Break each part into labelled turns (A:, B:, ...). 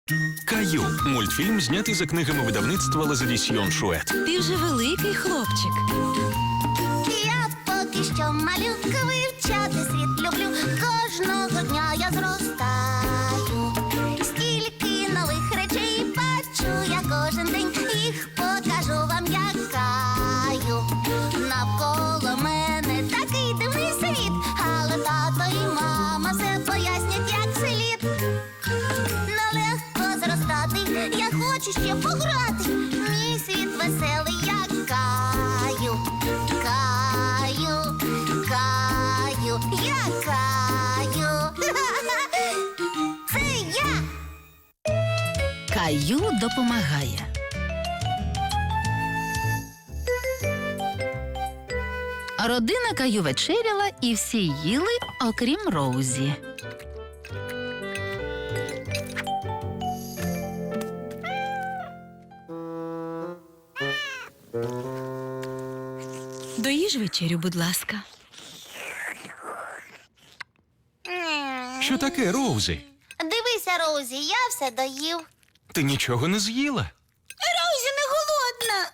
A: Каю – мультфільм, знятий за книгами видавництва «Лазадісьйон Шует».
B: Ти вже великий хлопчик.
C: Я поки що малюка, вивчати світ люблю. Кожного дня я зростаю. Стільки нових речей бачу я кожен день. Їх покажу вам, як Каю. Навколо мене такий дивний світ, але тато і мама все пояснять, як слід. Нелегко зростати, я хочу ще пограти. Мій світ веселий, як Каю. Каю, Каю, я Каю. Це я.
B: Каю допомагає. Родина Каю вечеряла і всі їли, окрім Роузі. Доїж вечерю, будь ласка.
A: Що таке, Роузі?
C: Дивися, Роузі, я все доїв.
A: Ти нічого не з'їла?
C: Роузі не голодна.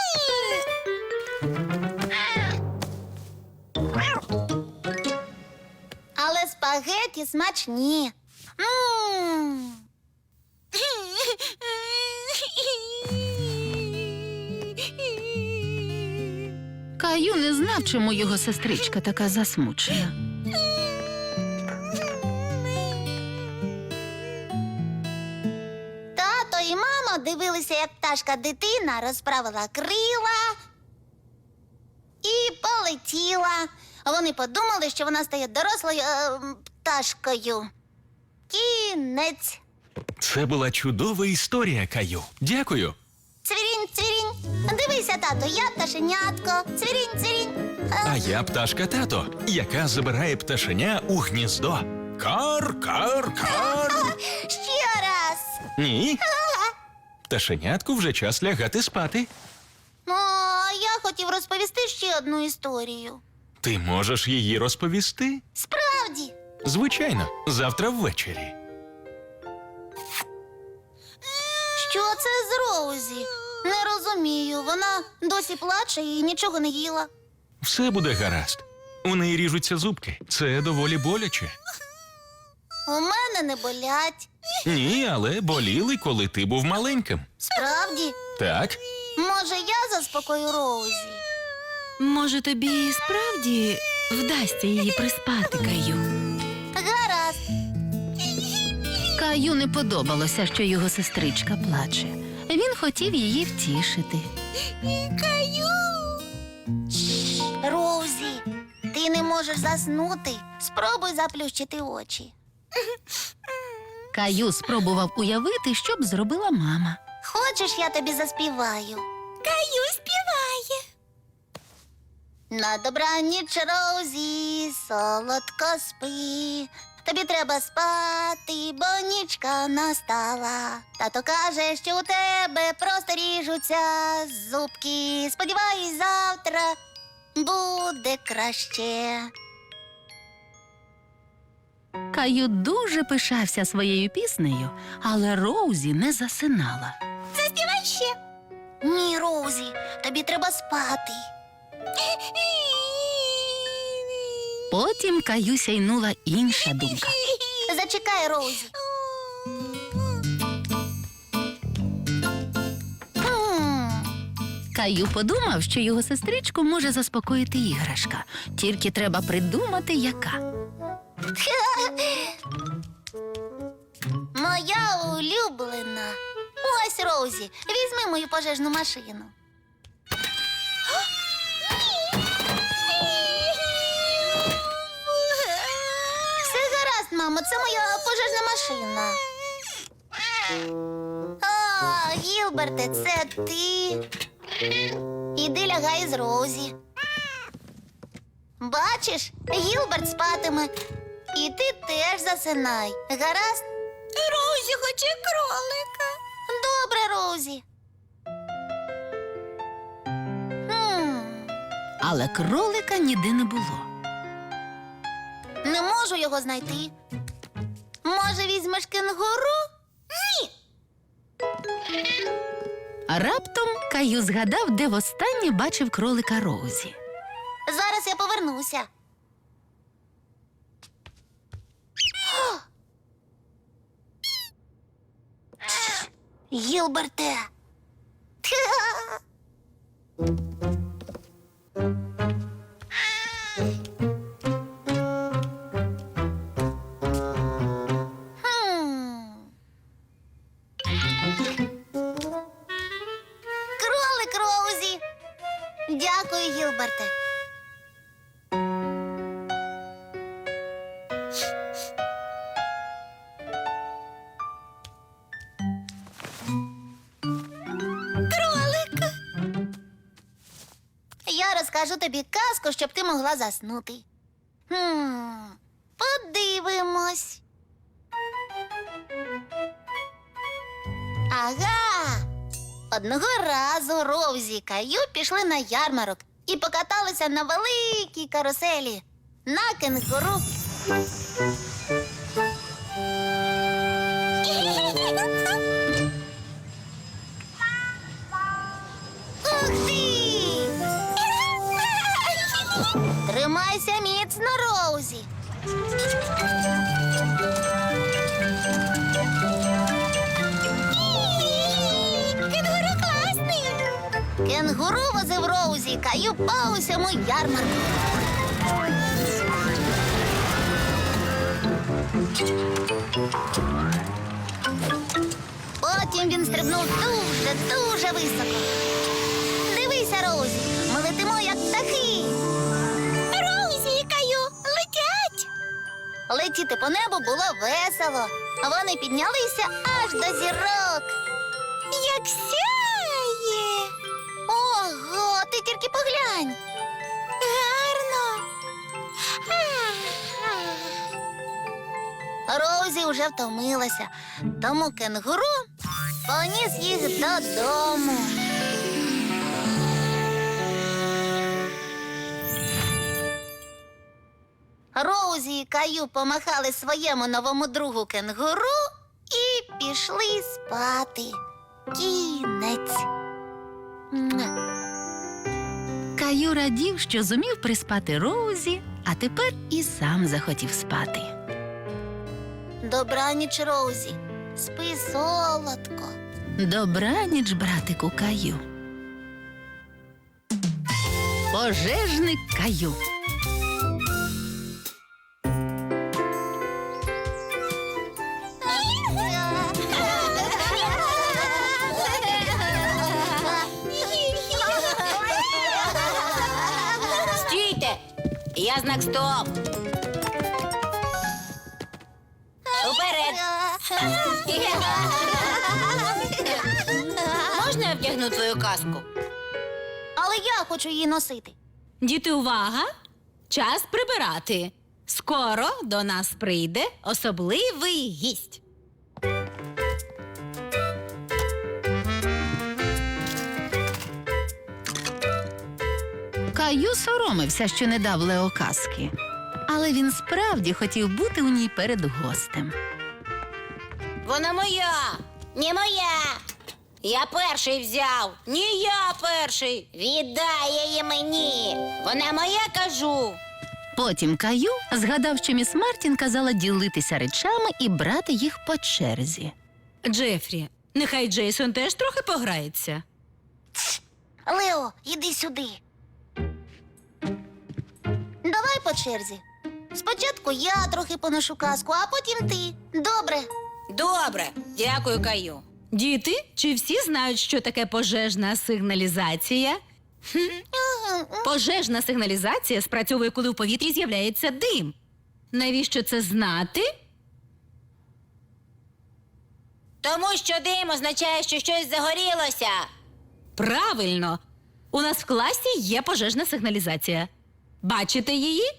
C: Але спагеті смачні.
B: Каю не знав, чому його сестричка така засмучена.
C: Тато і мама дивилися, як пташка-дитина розправила крила і полетіла. Вони подумали, що вона стає дорослою пташкою. Кінець.
A: Це була чудова історія, Каю. Дякую.
C: Цвірінь, цвірінь. Дивися, тато, я пташенятко. Цвірінь, цвірінь.
A: А я пташка-тато, яка забирає пташеня у гніздо. Кар, кар, кар.
C: Ще раз.
A: Ні. Пташенятку вже час лягати спати.
C: О, я хотів розповісти ще одну історію.
A: Ти можеш її розповісти?
C: Справді.
A: Звичайно, завтра ввечері.
C: Що це з Роузі? Не розумію. Вона досі плаче і нічого не їла.
A: Все буде гаразд. У неї ріжуться зубки. Це доволі боляче.
C: У мене не болять.
A: Ні, але боліли, коли ти був маленьким.
C: Справді?
A: Так?
C: Може, я заспокою Роузі?
B: Може, тобі справді вдасться її приспати, Каю?
C: Гаразд.
B: Каю не подобалося, що його сестричка плаче. Він хотів її втішити.
C: Роузі, ти не можеш заснути. Спробуй заплющити очі.
B: Каю спробував уявити, що б зробила мама.
C: Хочеш, я тобі заспіваю? Каю співає. На добраніч, Роузі, солодко спи. Тобі треба спати, бо нічка настала. Тато каже, що у тебе просто ріжуться зубки. Сподіваюсь, завтра буде краще.
B: Каю дуже пишався своєю піснею, але Роузі не засинала.
C: Заспівай ще. Ні, Роузі, тобі треба спати.
B: Потім Каю сяйнула інша думка.
C: Зачекай, Роузі.
B: Каю подумав, що його сестричку може заспокоїти іграшка. Тільки треба придумати, яка.
C: Моя улюблена. Ось, Роузі, візьми мою пожежну машину. Все гаразд, мамо, це моя пожежна машина. А, Гілберте, це ти. Іди лягай з Роузі. Бачиш, Гілберт спатиме. І ти теж засинай. Гаразд? Роузі хоче кролика. Добре, Роузі.
B: Але кролика ніде не було.
C: Не можу його знайти. Може, візьмеш кенгуру? Ні,
B: А раптом Каю згадав, де востаннє бачив кролика Роузі.
C: Зараз я повернуся. Гілберте. Кролик Роузі. Дякую, Гілберте. Кролик. Я розкажу тобі казку, щоб ти могла заснути. Подивимось. Ага. Одного разу Роузі і Каю пішли на ярмарок і покаталися на великій каруселі на кенгуру. Ух ти! Тримайся міцно, Роузі. Кенгуру класний. Кенгуру возив Роузі і Каю по усьому ярмарку. Потім він стрибнув дуже високо. Дивися, Роузі, ми летимо, як птахи. Роузі і Каю летять. Летіти по небу було весело. Вони піднялися аж до зірок. Як сяє! Ого, ти тільки поглянь. Гарно. Роузі вже втомилася, тому кенгуру поніс їх додому. Роузі і Каю помахали своєму новому другу кенгуру і пішли спати. Кінець.
B: Каю радів, що зумів приспати Роузі, а тепер і сам захотів спати.
C: Добраніч, Роузі. Спи солодко.
B: Добраніч, братику Каю. Пожежник Каю.
D: Стійте! Я знак стоп! Уперед! Можна я вдягну твою каску?
C: Але я хочу її носити.
D: Діти, увага! Час прибирати. Скоро до нас прийде особливий гість.
B: Каю соромився, що не дав Лео казки. Але він справді хотів бути у ній перед гостем.
D: Вона моя! Не моя! Я перший взяв! Ні, я перший! Віддай її мені! Вона моя, кажу!
B: Потім Каю згадав, що міс Мартін казала ділитися речами і брати їх по черзі.
D: Джефрі, нехай Джейсон теж трохи пограється.
C: Лео, іди сюди. Давай по черзі. Спочатку я трохи поношу казку, а потім ти. Добре.
D: Добре, дякую, Каю. Діти, чи всі знають, що таке пожежна сигналізація? Пожежна сигналізація спрацьовує, коли в повітрі з'являється дим. Навіщо це знати? Тому що дим означає, що щось загорілося. Правильно. У нас в класі є пожежна сигналізація. Бачите її?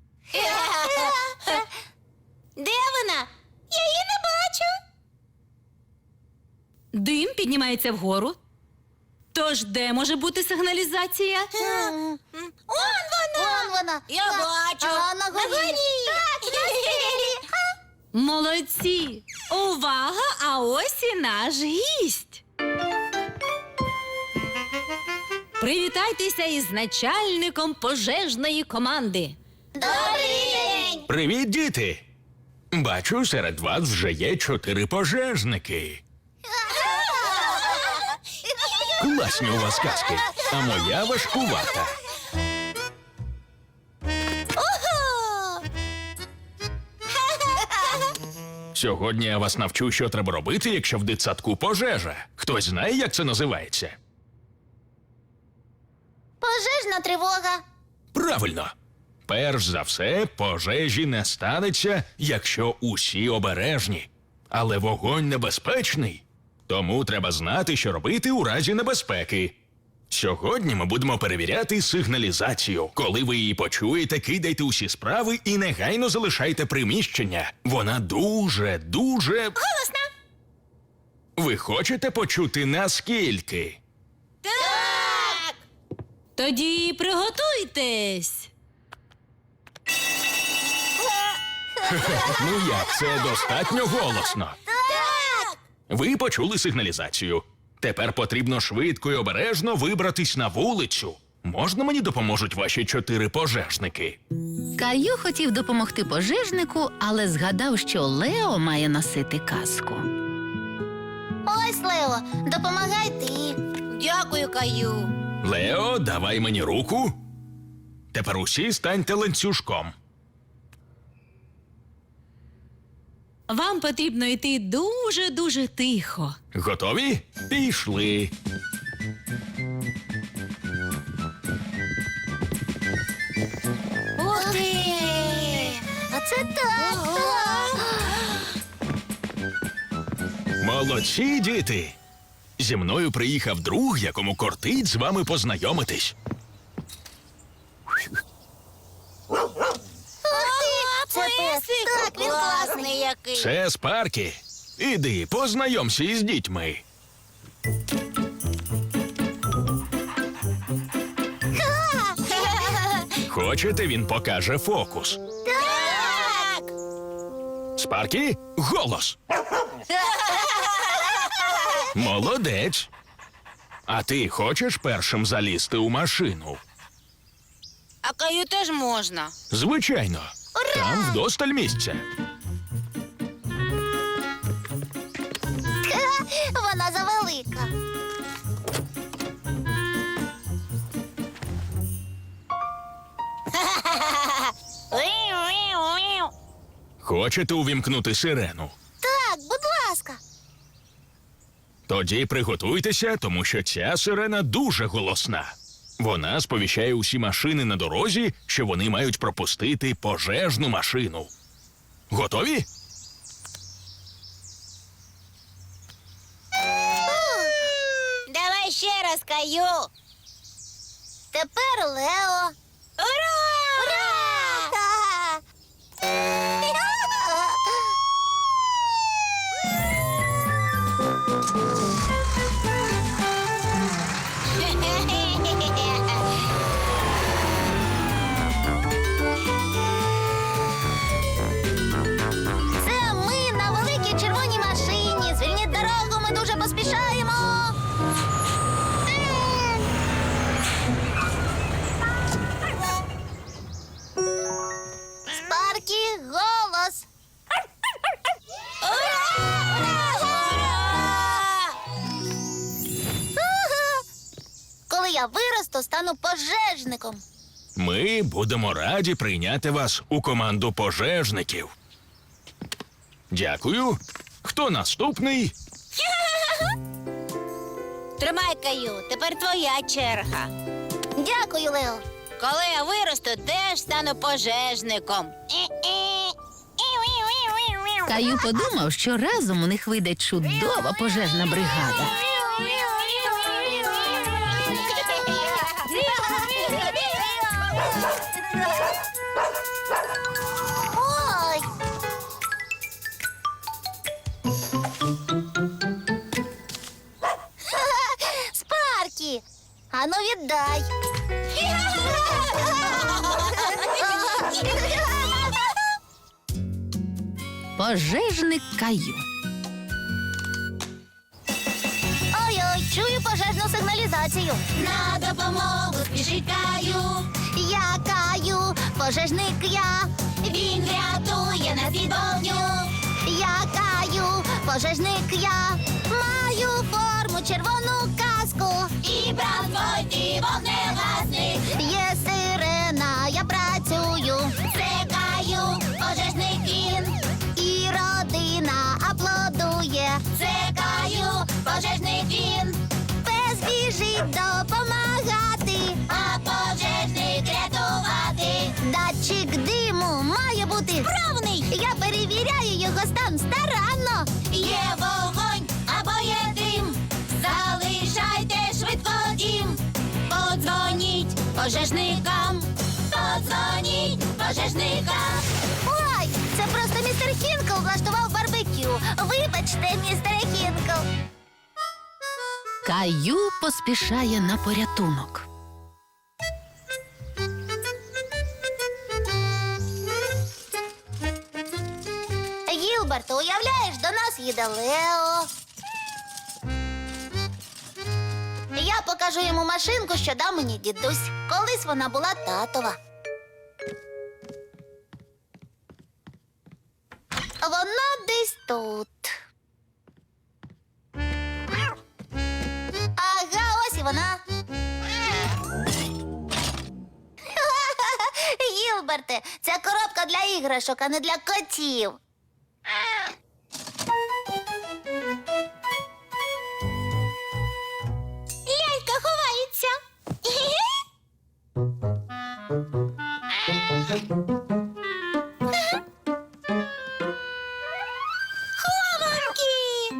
D: Де вона? Я її не бачу. Дим піднімається вгору. Тож де може бути сигналізація?
C: Он вона.
D: Я бачу.
C: А на горі. Так,
D: Молодці! Увага, а ось і наш гість.
E: Привітайтеся із начальником пожежної команди.
C: Добрий день!
A: Привіт, діти! Бачу, серед вас вже є 4 пожежники. Класні у вас казки, а моя важкувата. Сьогодні я вас навчу, що треба робити, якщо в дитсадку пожежа. Хтось знає, як це називається?
C: Пожежна тривога.
A: Правильно. Перш за все, пожежі не станеться, якщо усі обережні. Але вогонь небезпечний. Тому треба знати, що робити у разі небезпеки. Сьогодні ми будемо перевіряти сигналізацію. Коли ви її почуєте, кидайте усі справи і негайно залишайте приміщення. Вона дуже голосна. Ви хочете почути наскільки?
D: Так!
E: Тоді приготуйтесь.
A: Ну як, це достатньо голосно.
C: Так!
A: Ви почули сигналізацію. Тепер потрібно швидко і обережно вибратись на вулицю. Можна мені допоможуть ваші 4 пожежники?
B: Каю хотів допомогти пожежнику, але згадав, що Лео має носити каску.
C: Ось, Лео, допомагай ти.
D: Дякую, Каю.
A: Лео, давай мені руку. Тепер усі станьте ланцюжком.
E: Вам потрібно йти дуже-дуже тихо.
A: Готові? Пішли.
C: Ух ти! Оце так!
A: Молодці, діти! Зі мною приїхав друг, якому кортить з вами познайомитись.
C: Ух ти! Це пес! Так, він класний!
D: який.
A: Це Спаркі. Іди, познайомся із дітьми. Хочете, він покаже фокус?
C: Так!
A: Спаркі, голос! Молодець. А ти хочеш першим залізти у машину?
D: А Каю теж можна.
A: Звичайно. Там вдосталь місця.
C: Вона завелика.
A: Хочете увімкнути сирену?
C: Так, будь ласка.
A: Тоді приготуйтеся, тому що ця сирена дуже голосна. Вона сповіщає усі машини на дорозі, що вони мають пропустити пожежну машину. Готові?
D: Давай ще раз, Каю.
C: Тепер Лео.
D: Ура!
C: Це ми на великій червоній машині. Звільніть дорогу, ми дуже поспішаємо. Спаркі, голос. Ага. Коли я виросту, стану пожежником.
A: Ми будемо раді прийняти вас у команду пожежників. Дякую. Хто наступний?
D: Тримай, Каю, тепер твоя черга.
C: Дякую, Лео.
D: Коли я виросту, теж стану пожежником.
B: Каю подумав, що разом у них вийде чудова пожежна бригада.
C: Ой. Спаркі, ану віддай.
B: Пожежник Каю.
C: Ой-ой. Чую пожежну сигналізацію.
D: На допомогу спішить Каю.
C: Я Каю, пожежник я.
D: Він рятує нас від вогню.
C: Я Каю, пожежник я. Маю форму, червону каску.
D: І бразвойти вогнегасник.
C: Є сирена, я працюю.
D: Це Каю, пожежник він.
C: І родина аплодує.
D: Це Каю, пожежник він.
C: Пес біжить допомагати.
D: А пожежник рятувати.
C: Датчик диму має бути
D: Правний!
C: Я перевіряю його стан старанно.
D: Є вогонь або є дим. Залишайте швидко дім. Подзвоніть пожежникам. Подзвоніть пожежникам.
C: Ой, це просто містер Хінкл влаштував барбекю. Вибачте, містере Хінкл.
B: Каю поспішає на порятунок.
C: Гілберт, уявляєш, до нас їде Лео. Я покажу йому машинку, що дав мені дідусь. Колись вона була татова. Вона десь тут. Ага, ось і вона. Гілберте, це коробка для іграшок, а не для котів.
D: Лялька ховається. Хованки.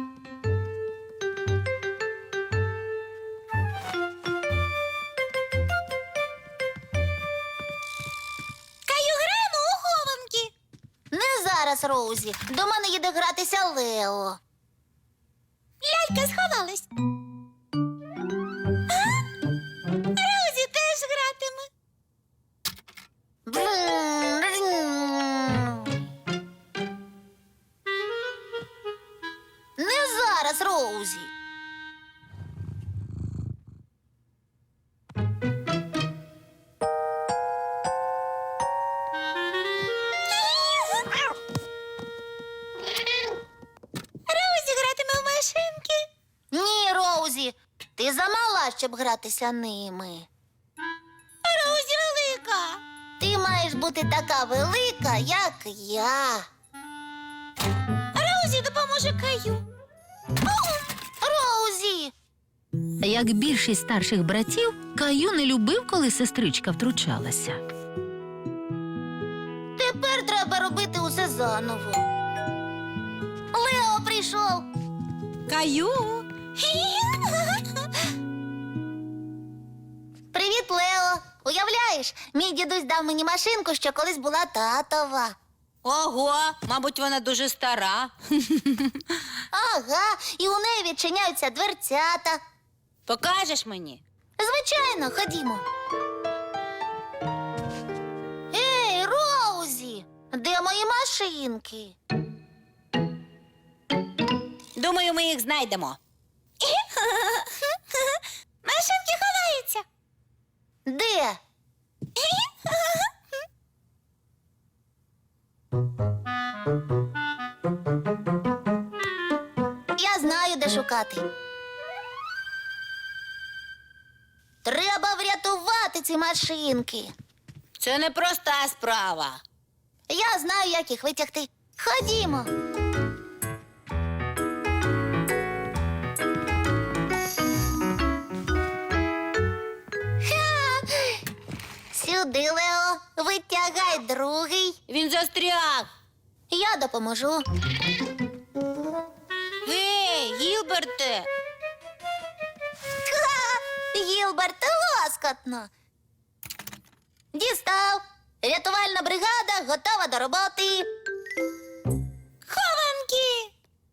D: Каю, граємо у хованки.
C: Не зараз, Роузі. До мене їде гратися Лео.
D: Лялька сховалась. Розі теж гратиме.
C: Не зараз, Роузі.
D: Розі гратиме в машинки.
C: Ні, Роузі, ти замала, щоб гратися ними.
D: Розі велика.
C: Ти маєш бути така велика, як я.
D: Розі допоможе Каю.
C: Роузі!
B: Як більшість старших братів, Каю не любив, коли сестричка втручалася.
C: Тепер треба робити усе заново. Лео прийшов.
E: Каю.
C: Привіт, Лео. Уявляєш, мій дідусь дав мені машинку, що колись була татова.
D: Ого, мабуть, вона дуже стара.
C: Ага, і у неї відчиняються дверцята.
D: Покажеш мені?
C: Звичайно, ходімо. Ей, Роузі, де мої машинки?
D: Думаю, ми їх знайдемо. Машинки ховаються.
C: Де? Я знаю, де шукати. Треба врятувати ці машинки.
D: Це не проста справа.
C: Я знаю, як їх витягти. Ходімо. Ха! Сюди, Лео. Витягай другий.
D: Він застряг.
C: Я допоможу.
D: Гей, Гілберте.
C: Ха! Гілберт, лоскотно. Дістав. Рятувальна бригада готова до роботи.
D: Хованки.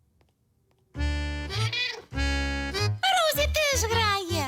D: Розі теж грає.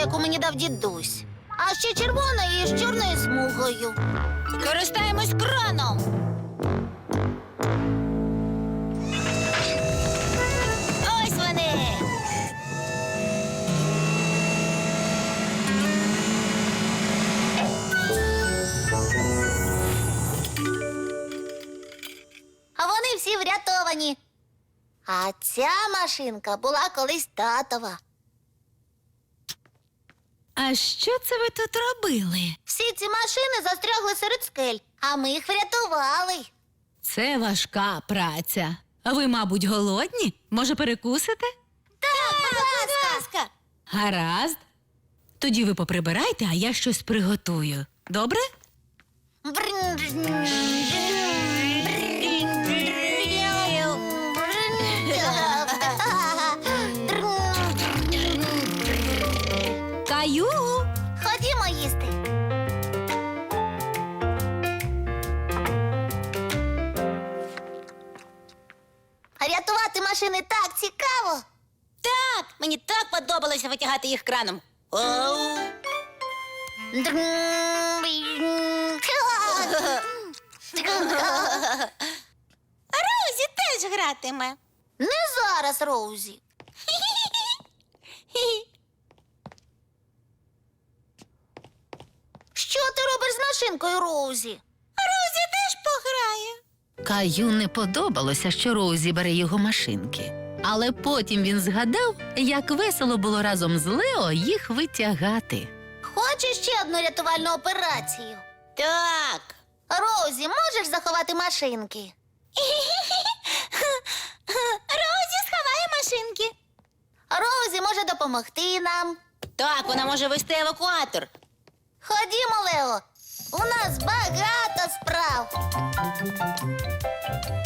C: яку мені дав дідусь. А ще червона і з чорною смугою.
D: Користаємось краном. Ось вони.
C: А вони всі врятовані. А ця машинка була колись татова.
E: А що це ви тут робили?
C: Всі ці машини застрягли серед скель, а ми їх врятували.
E: Це важка праця. А ви, мабуть, голодні? Може, перекусите?
C: Так, будь ласка.
E: Гаразд. Тоді ви поприбирайте, а я щось приготую. Добре? Каю!
C: Ходімо їсти. Рятувати машини так цікаво.
D: Так, мені так подобалося витягати їх краном. Оу. Розі теж гратиме.
C: Не зараз, Роузі. Що ти робиш з машинкою, Роузі?
D: Розі теж пограє.
B: Каю не подобалося, що Роузі бере його машинки. Але потім він згадав, як весело було разом з Лео їх витягати.
C: Хочеш ще одну рятувальну операцію?
D: Так.
C: Роузі, можеш заховати машинки?
D: Розі сховає машинки.
C: Роузі може допомогти нам.
D: Так, вона може вести евакуатор.
C: Ходімо, Лео. У нас багато справ.